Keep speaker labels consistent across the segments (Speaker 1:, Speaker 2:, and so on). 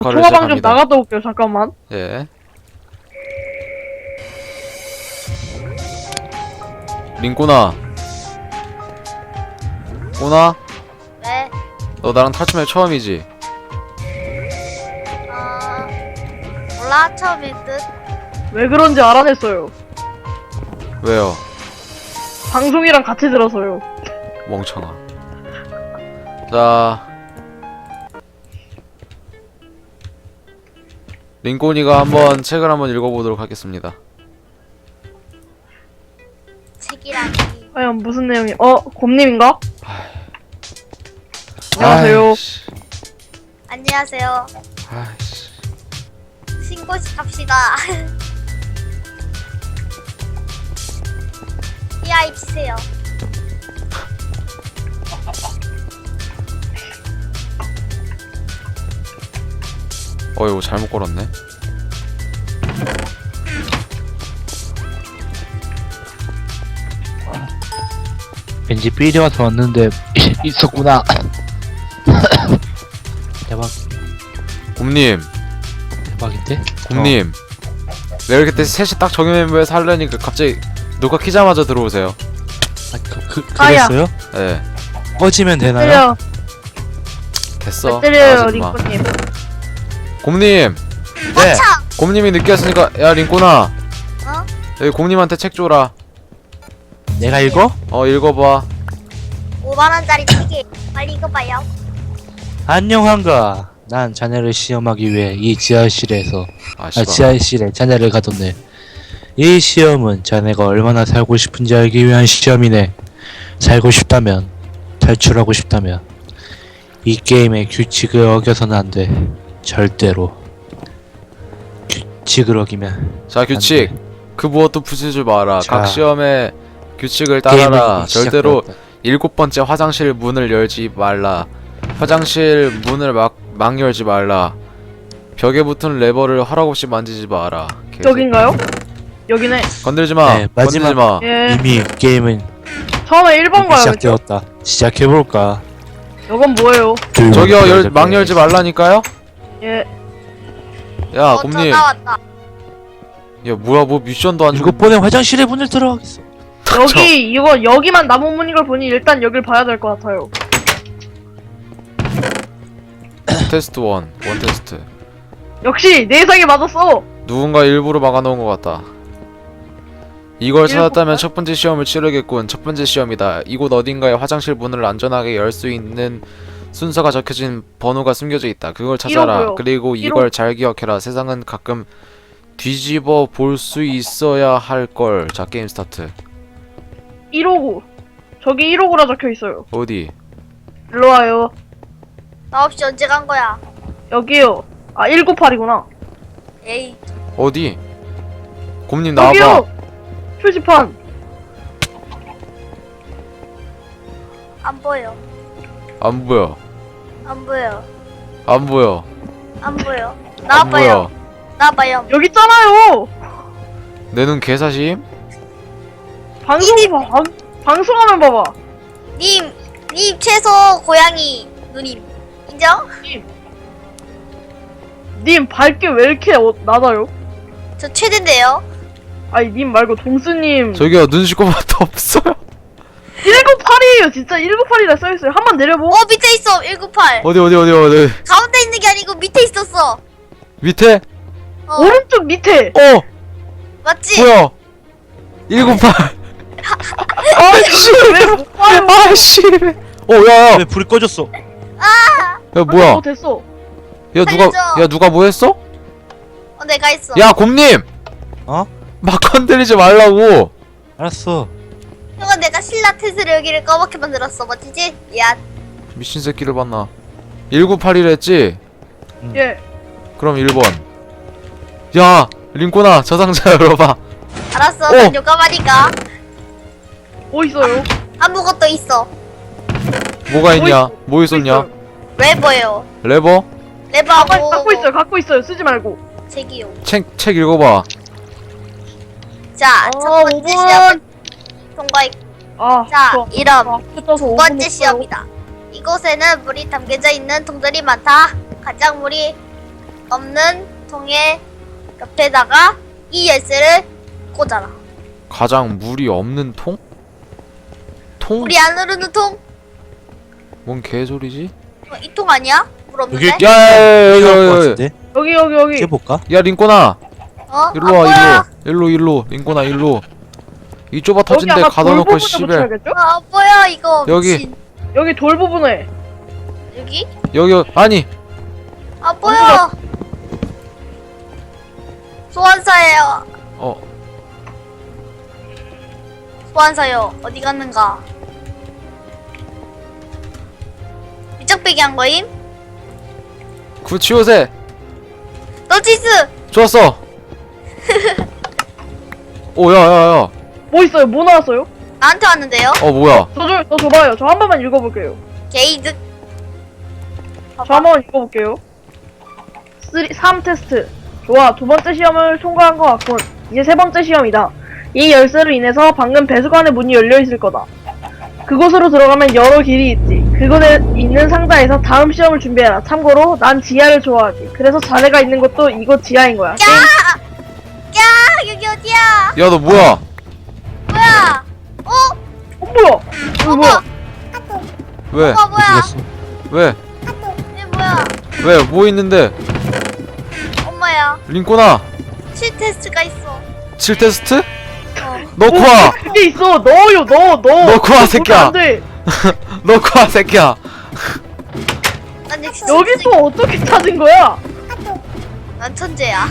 Speaker 1: 통화방 좀
Speaker 2: 시작합니다.
Speaker 1: 나갔다 올게요. 잠깐만.
Speaker 2: 예. 링꼬나. 꼬나?
Speaker 3: 왜?
Speaker 2: 너 나랑 탈춤회 처음이지?
Speaker 3: 몰라 처음일 듯.
Speaker 1: 왜 그런지 알아냈어요.
Speaker 2: 왜요?
Speaker 1: 방송이랑 같이 들어서요.
Speaker 2: 멍청아. 자, 링꼬니가 한번 책을 한번 읽어보도록 하겠습니다.
Speaker 3: 책이라니.
Speaker 1: 과연 무슨 내용이? 곰님인가? 안녕하세요.
Speaker 2: 아이씨.
Speaker 3: 안녕하세요.
Speaker 2: 아이씨.
Speaker 3: 신고식 합시다. 이 아이 치세요.
Speaker 2: 이거 잘못 걸었네.
Speaker 4: 왠지 삘이 와서 왔는데 있었구나. 대박.
Speaker 2: 곰님,
Speaker 4: 대박인데?
Speaker 2: 곰님. 내가 이렇게 셋이 딱 정해 멤버에서 하려니까 갑자기 녹화 키자마자 들어오세요.
Speaker 1: 아야.
Speaker 4: 그랬어요?
Speaker 2: 예.
Speaker 4: 꺼지면 되나요?
Speaker 1: 때려.
Speaker 2: 됐어.
Speaker 1: 때려요,
Speaker 2: 나가지 마.
Speaker 1: 링코님.
Speaker 2: 곰님,
Speaker 4: 네.
Speaker 3: 차.
Speaker 2: 곰님이 늦게 왔으니까 야 링꼬나,
Speaker 3: 어?
Speaker 2: 여기 곰님한테 책 줘라.
Speaker 4: 내가 읽어?
Speaker 2: 읽어봐.
Speaker 3: 5만 원짜리 책이 빨리 읽어봐요.
Speaker 4: 안녕한가. 난 자네를 시험하기 위해 이 지하실에 자네를 가뒀네. 이 시험은 자네가 얼마나 살고 싶은지 알기 위한 시험이네. 살고 싶다면, 탈출하고 싶다면 이 게임의 규칙을 어겨서는 안 돼. 절대로. 규칙을 어기면
Speaker 2: 자, 규칙.
Speaker 4: 안 돼.
Speaker 2: 그 무엇도 부수지 마라.
Speaker 4: 자.
Speaker 2: 각 시험의 규칙을 따라라.
Speaker 4: 게임은
Speaker 2: 절대로
Speaker 4: 시작되었다.
Speaker 2: 7번째 화장실 문을 열지 말라. 화장실 문을 막 열지 말라. 벽에 붙은 레버를 허락 없이 만지지 마라. 계속.
Speaker 1: 여긴가요? 여기네.
Speaker 2: 건들지 마.
Speaker 4: 네, 마지막-
Speaker 2: 건들지 마.
Speaker 1: 예.
Speaker 4: 이미 게임은
Speaker 1: 처음에 1번 가요.
Speaker 4: 시작되었다. 시작해볼까?
Speaker 1: 이건 뭐예요?
Speaker 2: 저기요, 막 열지 말라니까요?
Speaker 1: 예.
Speaker 2: 야,
Speaker 3: 저
Speaker 2: 곰님.
Speaker 3: 나왔다.
Speaker 2: 야, 뭐야, 뭐 미션도 안 주고.
Speaker 4: 이것 번에 화장실에 문을 들어가겠어.
Speaker 1: 여기만 나무 문인 걸 보니 일단 여길 봐야 될 것 같아요.
Speaker 2: 테스트 1. 원 테스트.
Speaker 1: 역시 내 예상이 맞았어.
Speaker 2: 누군가 일부러 막아놓은 것 같다. 이걸 찾았다면
Speaker 1: 일부러?
Speaker 2: 첫 번째 시험을 치르겠군. 첫 번째 시험이다. 이곳 어딘가에 화장실 문을 안전하게 열 수 있는 순서가 적혀진 번호가 숨겨져 있다. 그걸 찾아라.
Speaker 1: 이러고요.
Speaker 2: 그리고 이걸 잘 기억해라. 세상은 가끔 뒤집어 볼 수 있어야 할 걸. 자, 게임 스타트.
Speaker 1: 159. 저기 159라 적혀 있어요.
Speaker 2: 어디?
Speaker 1: 일로 와요.
Speaker 3: 나 없이 언제 간 거야?
Speaker 1: 여기요. 아, 198이구나.
Speaker 3: 에이.
Speaker 2: 어디? 곰님 나와봐.
Speaker 1: 여기요. 표지판.
Speaker 3: 안 보여.
Speaker 2: 안 보여.
Speaker 3: 안 보여.
Speaker 2: 안 보여.
Speaker 3: 안 보여.
Speaker 2: 안
Speaker 3: 나와봐요.
Speaker 2: 보여.
Speaker 3: 나와봐요.
Speaker 1: 여기 있잖아요.
Speaker 2: 내 눈 개사심?
Speaker 1: 방송하면 봐봐.
Speaker 3: 님 최소 고양이 누님 인정?
Speaker 1: 님 밝게 왜 이렇게 낮아요?
Speaker 3: 저 최대인데요.
Speaker 1: 아니 님 말고 동수님.
Speaker 2: 저기요, 눈 씻고 맛도 없어요.
Speaker 1: 198이에요. 진짜 198이라 써있어요. 한번 내려보.
Speaker 3: 밑에 있어 198.
Speaker 2: 어디?
Speaker 3: 가운데 있는 게 아니고 밑에 있었어.
Speaker 2: 밑에?
Speaker 1: 오른쪽 밑에.
Speaker 3: 맞지?
Speaker 2: 뭐야? 198.
Speaker 1: 아이씨 왜못 봐요?
Speaker 2: 아씨. 야야.
Speaker 4: 왜 불이 꺼졌어?
Speaker 2: 야 뭐야?
Speaker 1: 됐어.
Speaker 2: 야
Speaker 3: 살려줘.
Speaker 2: 누가 뭐 했어?
Speaker 3: 내가 했어.
Speaker 2: 야 곰님.
Speaker 4: 어?
Speaker 2: 막 건드리지 말라고.
Speaker 4: 알았어.
Speaker 3: 형아 내가 신라테스를 여기를 까맣게 만들었어. 멋지지? 미안.
Speaker 2: 미친 새끼를 봤나? 198이라 했지?
Speaker 1: 예.
Speaker 2: 그럼 1번. 야 링꼬나 저 상자 열어봐.
Speaker 3: 알았어.
Speaker 2: 오.
Speaker 3: 난 요감하니까.
Speaker 1: 뭐 있어요?
Speaker 3: 아무것도 있어.
Speaker 2: 뭐가 있냐?
Speaker 1: 있어?
Speaker 2: 뭐 있었냐?
Speaker 3: 레버요.
Speaker 2: 레버?
Speaker 3: 레버하고
Speaker 1: 갖고 있어요. 쓰지 말고.
Speaker 3: 책이요.
Speaker 2: 책 읽어봐.
Speaker 3: 자, 첫 번째
Speaker 1: 5번.
Speaker 3: 시험은 통과했.
Speaker 1: 아,
Speaker 3: 자,
Speaker 1: 저-
Speaker 3: 이름.
Speaker 1: 아, 뜯어서
Speaker 3: 두
Speaker 1: 5분
Speaker 3: 번째
Speaker 1: 했어요.
Speaker 3: 시험이다. 이곳에는 물이 담겨져 있는 통들이 많다. 가장 물이 없는 통의 옆에다가 이 열쇠를 꽂아라.
Speaker 2: 가장 물이 없는 통? 통?
Speaker 3: 물이 안 흐르는 통?
Speaker 2: 뭔 개소리지?
Speaker 3: 이 통 아니야? 물 없는데?
Speaker 4: 여기-
Speaker 2: 야야야야
Speaker 4: 필요할 것 같은데?
Speaker 1: 여기.
Speaker 4: 깨볼까?
Speaker 2: 야 링꼬나
Speaker 3: 어?
Speaker 2: 일로 와
Speaker 3: 아,
Speaker 2: 일로 링꼬나 일로 이 좁아 터진 데
Speaker 1: 아마
Speaker 2: 가둬
Speaker 1: 돌
Speaker 2: 놓고
Speaker 1: 부분을
Speaker 2: 씨발
Speaker 1: 붙여야겠죠?
Speaker 3: 아 뭐야 이거
Speaker 2: 여기.
Speaker 3: 미친.
Speaker 1: 여기 돌 부분에.
Speaker 3: 여기?
Speaker 2: 여기 아니
Speaker 3: 아 뭐야 소환사예요.
Speaker 2: 어
Speaker 3: 소환사요 어디 갔는가? 위짝배기 한 거임?
Speaker 2: 그 치우세
Speaker 3: 너치스!
Speaker 2: 좋았어 오 야야야
Speaker 1: 뭐 있어요? 뭐 나왔어요?
Speaker 3: 나한테 왔는데요?
Speaker 2: 어 뭐야
Speaker 1: 저 줘봐요. 저 한 번만 읽어볼게요.
Speaker 3: 게이득
Speaker 1: 저 한 번만 읽어볼게요. 3 테스트. 좋아. 두 번째 시험을 통과한 것 같군. 이제 세 번째 시험이다. 이 열쇠로 인해서 방금 배수관의 문이 열려있을 거다. 그곳으로 들어가면 여러 길이 있지. 그곳에 있는 상자에서 다음 시험을 준비해라. 참고로 난 지하를 좋아하지. 그래서 자네가 있는 곳도 이곳 지하인 거야. 게임
Speaker 3: 야 여기 어디야?
Speaker 2: 야 너 뭐야
Speaker 3: 뭐야?
Speaker 1: 뭐야? 이거 뭐야?
Speaker 2: 왜
Speaker 3: 뭐야?
Speaker 4: 어디 갔어?
Speaker 2: 왜?
Speaker 3: 얘 뭐야?
Speaker 2: 왜? 뭐 있는데?
Speaker 3: 엄마야
Speaker 2: 링꼬나
Speaker 3: 7 테스트가 있어.
Speaker 2: 7 테스트?
Speaker 3: 어.
Speaker 2: 넣고 와!
Speaker 1: 그게 있어. 넣어요. 넣어.
Speaker 2: 넣고 와, 새끼야.
Speaker 1: 안 돼.
Speaker 2: 넣고 와 새끼야
Speaker 3: 난 역시
Speaker 1: 여기서 어떻게 찾은 거야?
Speaker 3: 난 천재야.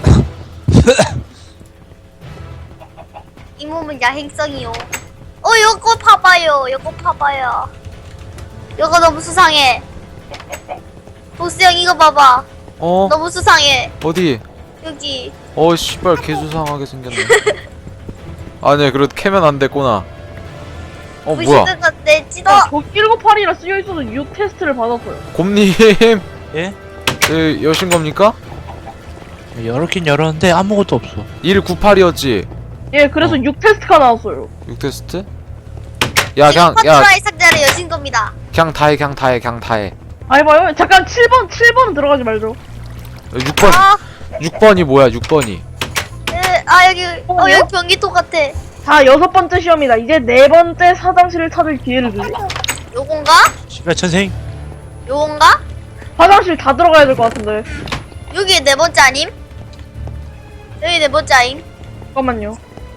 Speaker 3: 이 몸은 야행성이요. 요거 봐봐요. 요거 봐봐요. 요거 너무 수상해. 보스 형 이거 봐봐.
Speaker 2: 어?
Speaker 3: 너무 수상해.
Speaker 2: 어디?
Speaker 3: 여기.
Speaker 2: 어 씨발 개수상하게 생겼네 아니 그래도 캐면 안 됐구나 어 뭐야
Speaker 3: 부시드가 내 찌더.
Speaker 1: 저 198이라 쓰여있어서 6 테스트를 받았어요.
Speaker 2: 곰님
Speaker 4: 예?
Speaker 2: 여신 겁니까?
Speaker 4: 열었긴 열었는데 아무것도 없어.
Speaker 2: 198이었지?
Speaker 1: 예, 그래서 6 테스트가 나왔어요.
Speaker 2: 6테스트? 야
Speaker 3: 지금
Speaker 2: 그냥 야
Speaker 3: 퍼트라의 상자를 여신 겁니다.
Speaker 2: 그냥 다해
Speaker 1: 아, 해봐요. 잠깐 7번은 들어가지 말죠.
Speaker 2: 6번
Speaker 3: 아,
Speaker 2: 6번이 뭐야 6번이
Speaker 3: 여기 여기 변기통 같아.
Speaker 1: 자, 6번째 시험이다. 이제 4번째 화장실을 찾을 기회를 주지.
Speaker 3: 요건가?
Speaker 4: 씨발 천생.
Speaker 3: 요건가?
Speaker 1: 화장실 다 들어가야 될 것 같은데.
Speaker 3: 여기 네 번째 아님? 여기 네 번째 아임?
Speaker 1: 잠깐만요.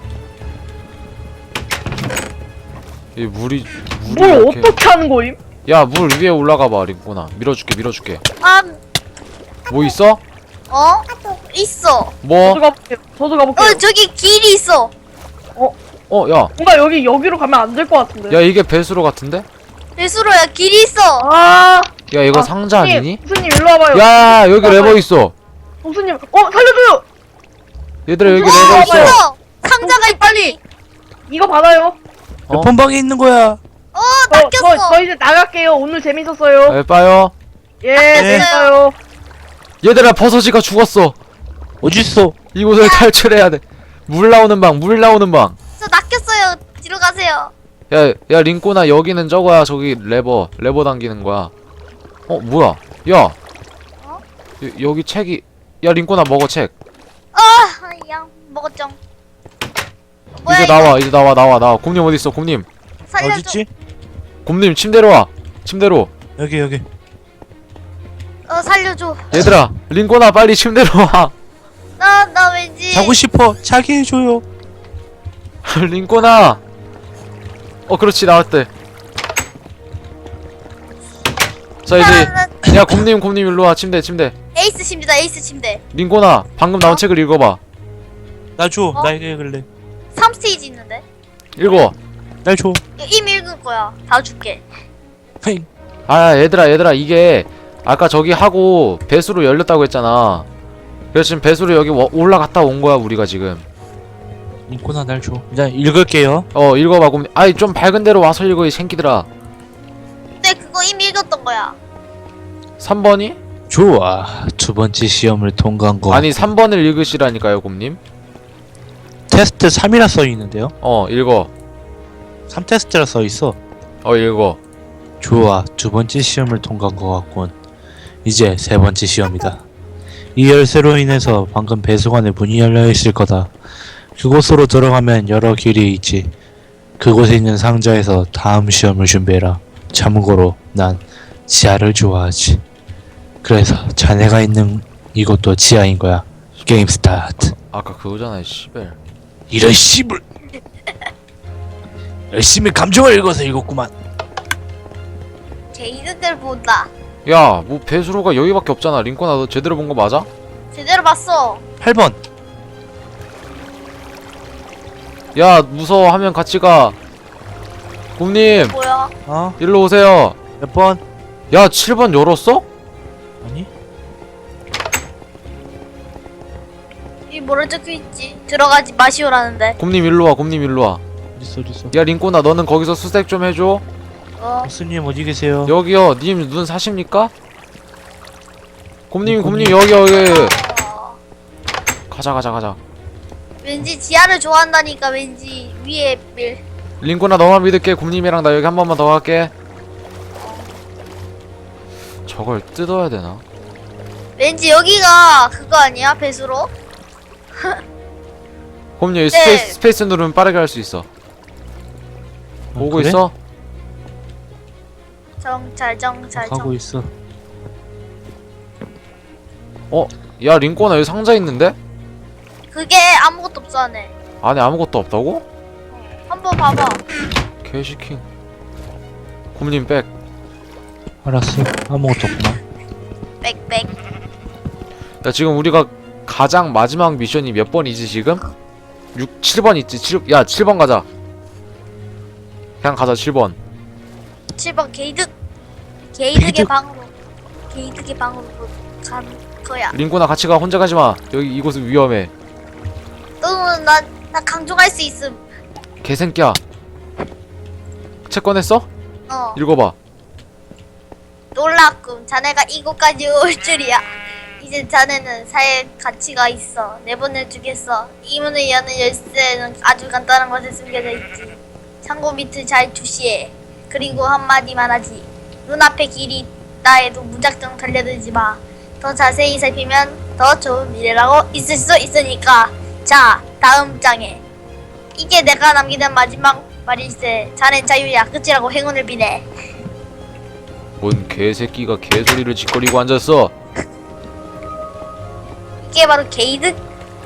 Speaker 2: 이 물이
Speaker 1: 뭘
Speaker 2: 이렇게
Speaker 1: 어떻게 하는 거임?
Speaker 2: 야 물 위에 올라가봐 링꼬나 밀어줄게
Speaker 3: 아,
Speaker 2: 뭐 있어?
Speaker 3: 있어.
Speaker 2: 뭐?
Speaker 1: 저도 가볼게요.
Speaker 3: 저기 길이 있어.
Speaker 2: 어 야
Speaker 1: 뭔가 여기로 가면 안 될 것 같은데.
Speaker 2: 야 이게 배수로 같은데?
Speaker 3: 배수로야 길이 있어.
Speaker 1: 아,
Speaker 2: 야 이거 상자 아니니?
Speaker 1: 교수님 일로 와봐요.
Speaker 2: 야 여기 레버 있어
Speaker 1: 교수님, 살려줘요.
Speaker 2: 얘들아 여기
Speaker 1: 어,
Speaker 2: 레버 있어
Speaker 3: 있어. 상자가 있다니.
Speaker 1: 이거 받아요.
Speaker 2: 어?
Speaker 4: 몇 번방에 있는 거야?
Speaker 3: 낚였어.
Speaker 1: 저 이제 나갈게요. 오늘 재밌었어요.
Speaker 2: 네, 빠요
Speaker 1: 예,
Speaker 3: 네.
Speaker 1: 재밌어요.
Speaker 2: 얘들아 버섯이가 죽었어
Speaker 4: 어딨어?
Speaker 2: 이곳을 탈출해야 돼물 나오는 방
Speaker 3: 저 낚였어요. 뒤로 가세요.
Speaker 2: 야 링꼬나 여기는 저거야 저기 레버 당기는 거야 어 뭐야 야
Speaker 3: 어?
Speaker 2: 여기 책이 야 링꼬나 먹어 책
Speaker 3: 양 먹었죠. 뭐야
Speaker 2: 이제
Speaker 3: 이거?
Speaker 2: 이제 나와 곰님 어딨어 곰님
Speaker 3: 살려줘.
Speaker 4: 어딨지?
Speaker 2: 곰님 침대로 와 침대로
Speaker 4: 여기.
Speaker 3: 살려줘.
Speaker 2: 얘들아 링꼬나 빨리 침대로 와
Speaker 3: 나 왠지.
Speaker 4: 자고 싶어. 자게 해줘요.
Speaker 2: 링꼬나 그렇지 나왔대 자 이제 야 곰님 일로 와 침대
Speaker 3: 에이스 침대다. 에이스 침대.
Speaker 2: 링꼬나 방금 나온 책을 읽어봐
Speaker 4: 나 줘.
Speaker 3: 어?
Speaker 4: 나 이거 읽을래.
Speaker 3: 3스테이지 있는데.
Speaker 2: 읽어
Speaker 4: 날 줘.
Speaker 3: 이미 읽은 거야. 다 줄게.
Speaker 4: 팽.
Speaker 2: 아 얘들아 이게 아까 저기 하고 배수로 열렸다고 했잖아 그래서 지금 배수로 여기 올라갔다 온 거야 우리가 지금
Speaker 4: 인코나 날 줘. 일단 읽을게요.
Speaker 2: 읽어봐 곰님 아이 좀 밝은 데로 와서 읽어 이 새끼들아
Speaker 3: 근데 그거 이미 읽었던 거야.
Speaker 2: 3번이?
Speaker 4: 좋아. 두 번째 시험을 통과한 거.
Speaker 2: 아니 3번을 읽으시라니까요 곰님
Speaker 4: 테스트 3이라 써 있는데요.
Speaker 2: 읽어
Speaker 4: 3테스트라 써 있어.
Speaker 2: 읽어
Speaker 4: 좋아. 두 번째 시험을 통과한 것 같군. 이제 세 번째 시험이다. 이 열쇠로 인해서 방금 배수관의 문이 열려 있을 거다. 그곳으로 들어가면 여러 길이 있지. 그곳에 있는 상자에서 다음 시험을 준비해라. 참고로 난 지하를 좋아하지. 그래서 자네가 있는 이곳도 지하인 거야. 게임 스타트.
Speaker 2: 아까 그거잖아, 씨발.
Speaker 4: 이런 씨불. 열심히 감정을 읽어서 읽었구만.
Speaker 3: 게이드들 본다.
Speaker 2: 야, 뭐 배수로가 여기밖에 없잖아. 링코나 너 제대로 본 거 맞아?
Speaker 3: 제대로 봤어.
Speaker 4: 8번.
Speaker 2: 야, 무서워하면 같이 가. 곰님,
Speaker 3: 뭐야?
Speaker 4: 어?
Speaker 2: 일로 오세요.
Speaker 4: 몇 번?
Speaker 2: 야, 7번 열었어?
Speaker 4: 아니?
Speaker 3: 이 뭐라 적혀 있지? 들어가지 마시오라는데.
Speaker 2: 곰님 일로 와, 곰님 일로 와.
Speaker 4: 어딨어?
Speaker 2: 야, 링코나 너는 거기서 수색 좀 해줘.
Speaker 4: 보스님 어디 계세요?
Speaker 2: 여기요. 님 눈 사십니까? 곰님
Speaker 4: 곰님.
Speaker 2: 여기.
Speaker 3: 어,
Speaker 2: 가자.
Speaker 3: 왠지 지하를 좋아한다니까 왠지 위에 밀.
Speaker 2: 링코나 너만 믿을게. 곰님이랑 나 여기 한 번만 더 갈게. 저걸 뜯어야 되나?
Speaker 3: 왠지 여기가 그거 아니야? 배수로?
Speaker 2: 곰님 여기
Speaker 3: 네.
Speaker 2: 스페이스 누르면 빠르게 할 수 있어. 보고
Speaker 4: 그래?
Speaker 2: 있어?
Speaker 3: 정찰.
Speaker 4: 가고 있어.
Speaker 2: 야, 링코나 여기 상자 있는데?
Speaker 3: 그게 아무것도 없어 안에.
Speaker 2: 안에 아무것도 없다고?
Speaker 3: 한번 봐봐.
Speaker 2: 개시킹. 곰님 백.
Speaker 4: 알았어. 아무것도 없구만.
Speaker 3: 빽빽.
Speaker 2: 야, 지금 우리가 가장 마지막 미션이 몇 번이지 지금? 7번 있지. 7번 가자. 그냥 가자. 7번.
Speaker 3: 7번 게이득의
Speaker 4: 게이득.
Speaker 3: 방으로. 게이득의 방으로 간 거야.
Speaker 2: 링코나 같이 가. 혼자 가지 마. 여기 이곳은 위험해.
Speaker 3: 너는 나 강조할 수 있음.
Speaker 2: 개새끼야. 책 꺼냈어?
Speaker 3: 어.
Speaker 2: 읽어봐.
Speaker 3: 놀랍군. 자네가 이곳까지 올 줄이야. 이제 자네는 사회 가치가 있어. 내보내주겠어. 이 문을 여는 열쇠는 아주 간단한 곳에 숨겨져 있지. 창고 밑을 잘 주시해. 그리고 한마디만 하지. 눈앞에 길이 있다 해도 무작정 달려들지 마. 더 자세히 살피면 더 좋은 미래라고 있을 수 있으니까. 자, 다음 장에. 이게 내가 남기는 마지막 말일세. 자넨 자유야. 끝이라고 행운을 비네.
Speaker 2: 뭔 개새끼가 개소리를 짓거리고 앉았어.
Speaker 3: 이게 바로 게이득?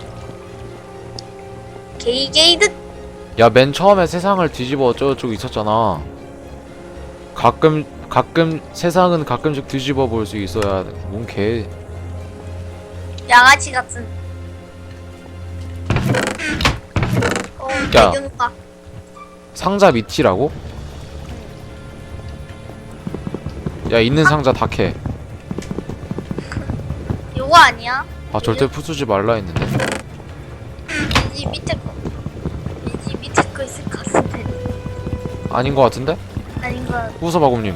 Speaker 3: 게이득?
Speaker 2: 야, 맨 처음에 세상을 뒤집어 저쪽 있었잖아. 가끔 세상은 가끔씩 뒤집어 볼 수 있어야 돼. 뭔 개.
Speaker 3: 양아치 같은.
Speaker 2: 야.
Speaker 3: 배경가.
Speaker 2: 상자 밑이라고? 야, 있는 상자 다 캐.
Speaker 3: 요거 아니야?
Speaker 2: 아, 절대 부수지 말라 했는데.
Speaker 3: 왠지 밑에 거. 왠지 밑에 거 있을 것 같은데.
Speaker 2: 아닌 거 같은데?
Speaker 3: 아닌 거.
Speaker 2: 부숴봐, 곰님.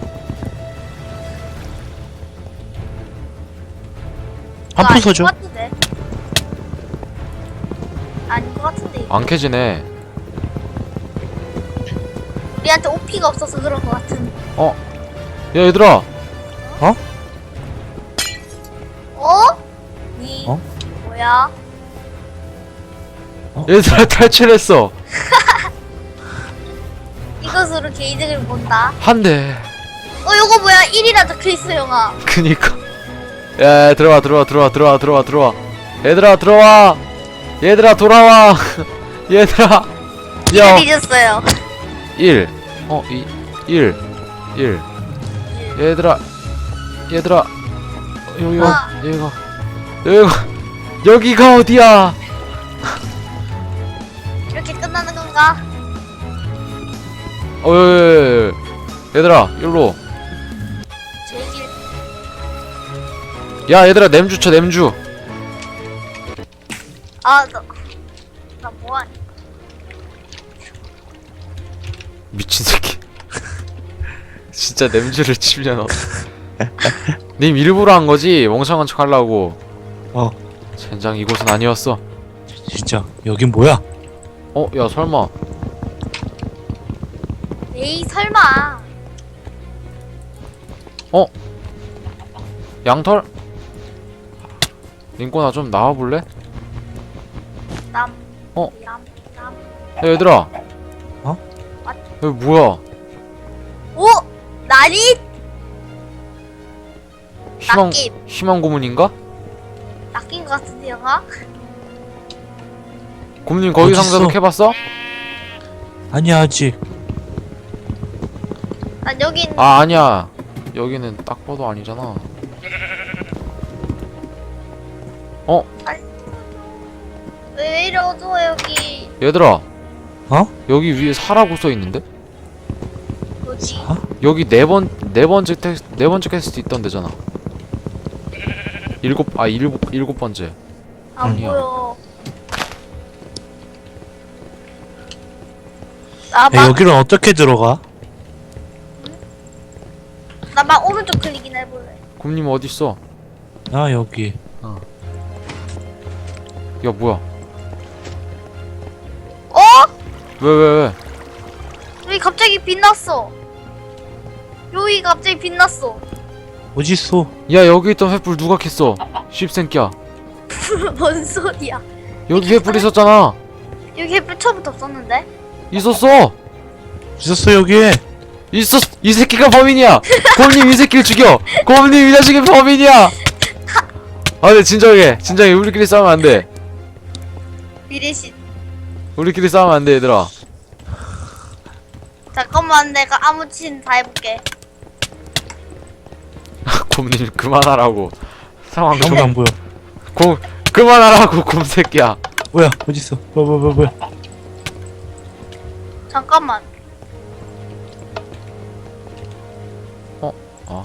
Speaker 4: 한 부서줘.
Speaker 3: 아닌 것 같은데. 아닌 것 같은데. 이거.
Speaker 2: 안 캐지네.
Speaker 3: 우리한테 OP가 없어서 그런 것 같은.
Speaker 2: 야, 얘들아.
Speaker 3: 니
Speaker 4: 어?
Speaker 3: 뭐야?
Speaker 2: 얘들아, 탈출했어.
Speaker 3: 이것으로 게이득을 본다.
Speaker 2: 한 대.
Speaker 3: 요거 뭐야? 1이라 적혀있어, 형아.
Speaker 2: 그니까. 야, 들어와. 얘들아, 들어와. 얘들아, 돌아와. 얘들아. 야.
Speaker 3: 1을 잊었어요.
Speaker 2: 1. 1. 얘들아. 여기가 어디야?
Speaker 3: 이렇게 끝나는 건가?
Speaker 2: 얘들아, 일로.
Speaker 3: 제길.
Speaker 2: 야, 얘들아, 냄주 쳐, 냄주.
Speaker 3: 나 뭐하니?
Speaker 2: 미친 새끼. 진짜 냄주를 치면 님 일부러 한 거지? 멍청한 척 하려고. 젠장, 이곳은 아니었어.
Speaker 4: 진짜 여긴 뭐야?
Speaker 2: 야, 설마.
Speaker 3: 에이, 설마.
Speaker 2: 양털? 링꼬나 좀 나와볼래?
Speaker 3: 남.
Speaker 2: 어?
Speaker 3: 남.
Speaker 2: 야 얘들아.
Speaker 4: 어?
Speaker 2: 여기 뭐야?
Speaker 3: 오! 나니?
Speaker 2: 희망
Speaker 3: 낚임.
Speaker 2: 희망 고문인가?
Speaker 3: 낚인 것 같은데 영화?
Speaker 2: 고문님 거기
Speaker 4: 어딨어?
Speaker 2: 상자도 캐봤어?
Speaker 4: 아니야 아직.
Speaker 3: 난 여긴
Speaker 2: 아 아니야. 여기는 딱 봐도 아니잖아.
Speaker 3: 왜 이래 어두워 여기.
Speaker 2: 얘들아.
Speaker 4: 어?
Speaker 2: 여기 위에 사라고 써 있는데?
Speaker 3: 뭐지?
Speaker 4: 아?
Speaker 2: 여기 네 번째 퀘스트 있던 데잖아. 일곱 번째.
Speaker 3: 안
Speaker 2: 아니야.
Speaker 3: 보여.
Speaker 4: 야, 여기는 어떻게 들어가?
Speaker 3: 나막 오른쪽 클릭이나 해볼래.
Speaker 2: 곰님 어디 있어?
Speaker 4: 아 여기.
Speaker 2: 야 뭐야?
Speaker 3: 어?
Speaker 2: 왜?
Speaker 3: 여기 갑자기 빛났어. 여기 갑자기 빛났어.
Speaker 4: 어딨어?
Speaker 2: 야 여기 있던 횃불 누가 캤어? 씹생끼야.
Speaker 3: 뭔 소리야?
Speaker 2: 여기 횃불 있었잖아.
Speaker 3: 여기 햇불 처음부터 없었는데?
Speaker 2: 있었어.
Speaker 4: 있었어 여기에.
Speaker 2: 이 새끼가 범인이야. 곰님 이 새끼를 죽여. 곰님 이 자식이 범인이야. 아 근데 진정해 우리끼리 싸우면 안 돼.
Speaker 3: 미래신.
Speaker 2: 우리끼리 싸우면 안 돼 얘들아.
Speaker 3: 잠깐만 내가 아무친 다 해볼게.
Speaker 2: 곰님 그만하라고. 상황
Speaker 4: 아무도 안 보여.
Speaker 2: 그만하라고 곰새끼야.
Speaker 4: 뭐야 어딨어? 뭐야?
Speaker 3: 잠깐만.
Speaker 2: 아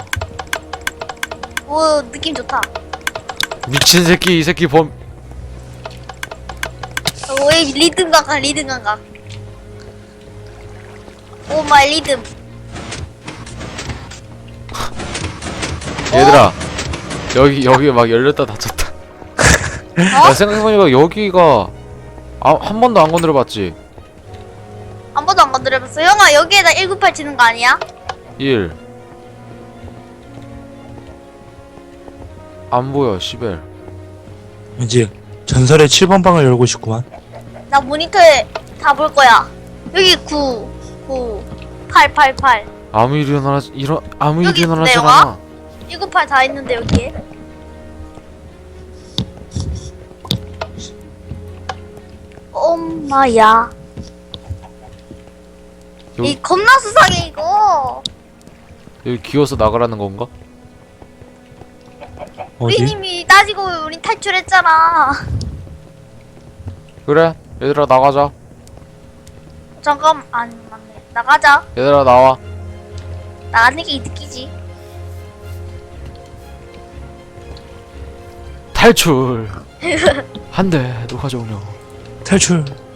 Speaker 3: 오 느낌 좋다.
Speaker 2: 미친 새끼 이 새끼 범.
Speaker 3: 오이 리듬 감각. 오 마이 리듬.
Speaker 2: 얘들아 여기 막 열렸다 닫혔다. 야 생각해보니까 여기가 한 번도 안 건드려봤지.
Speaker 3: 한 번도 안 건드려봤어. 형아 여기에다 198 치는 거 아니야?
Speaker 2: 1 안 보여 시벨.
Speaker 4: 이제 전설의 7번 방을 열고 싶구만.
Speaker 3: 나 모니터에 다 볼 거야. 여기 8
Speaker 2: 아무 일이
Speaker 3: 여기
Speaker 2: 일어나지
Speaker 3: 있네요,
Speaker 2: 않아.
Speaker 3: 198 다 있는데 여기에. 엄마야.
Speaker 2: 여기,
Speaker 3: 이 겁나 수상해 이거.
Speaker 2: 여기 기어서 나가라는 건가?
Speaker 4: 어디?
Speaker 3: 우리님이 따지고 우린 탈출했잖아.
Speaker 2: 그래 얘들아 나가자.
Speaker 3: 잠깐 안 맞네. 나가자.
Speaker 2: 얘들아 나와.
Speaker 3: 나가는 게 이득이지.
Speaker 2: 탈출. 한 대 누가 가져오려.
Speaker 4: 탈출.